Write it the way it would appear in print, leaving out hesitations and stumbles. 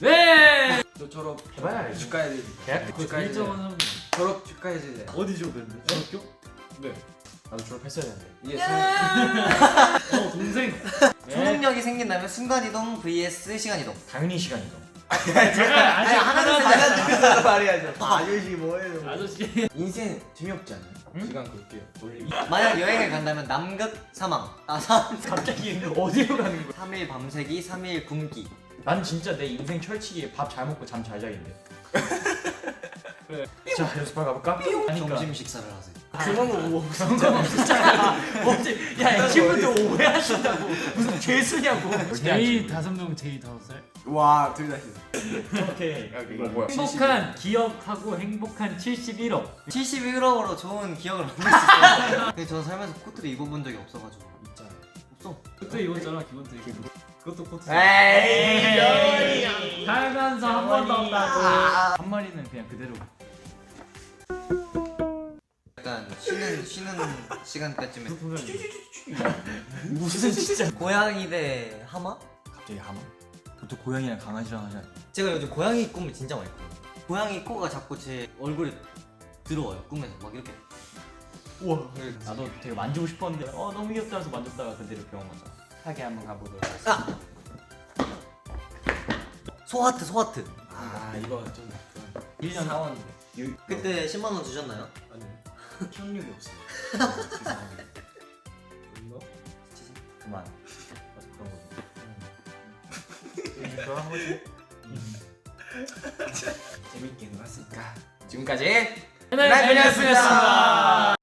네. 너 졸업 해봐야 알지. 축하해. 대학 그 축하해. 일정은 졸업 축하해주세요. 어디 졸업했는데? 중학교? 네. 나도 졸업했어야 되는데. 이게 동생. 초능력이 생긴다면 순간이동 vs 시간이동. 당연히 시간이동. 제가 아직 하나 말해야죠. 아저씨 뭐예요? 아저씨. 인생 재미없지 않아요? 응? 시간 그렇게 돌리기. 만약 여행을 간다면 남극 사망. 갑자기 어디로 가는 거야? 3일 밤새기, 3일 굶기. 난 진짜 내 인생 철칙이 밥 잘 먹고 잠 잘 자기인데. 그래. 자 연습하러 가볼까? 점심 식사를 하세요. 그만 오고. 어째 야 친구들 오해하신다고 무슨 죄수냐고. 제이 5명 제이 5살. 와, 둘 다 싫어. 오케이. 뭐야? 행복한 기억하고 행복한 71억. 71억으로 좋은 기억을 만들 수 있어요. 근데 저는 살면서 코트를 입어본 적이 없어가지고. 있잖아. 없어. 그것도 입었잖아 기본도 입고. 그것도 코트. 에이. 살면서 한 번도 없다고. 한 마리는 그냥 그대로. 약간 쉬는 시간대쯤에 무슨 진짜. 고양이 대 하마? 갑자기 하마? 보통 고양이랑 강아지랑 하잖아. 제가 요즘 고양이 꿈을 진짜 많이 꿔요. 고양이 코가 자꾸 제 얼굴에 들어와요 꿈에서 막 이렇게. 우와. 나도 되게 만지고 싶었는데 너무 귀엽다 해서 만졌다가 그대로 병원 가자. 하게 한번 가보도록 하겠습니다. 소하트. 아, 이거 좀 1년 사원인데. 그때 10만 원 주셨나요? 아니 기억력이 없어요. 죄송합니다. 이거? 그만. 그런 거. 그런 거지. 재밌게 놀았으니까 지금까지 네, 안녕하셨습니다.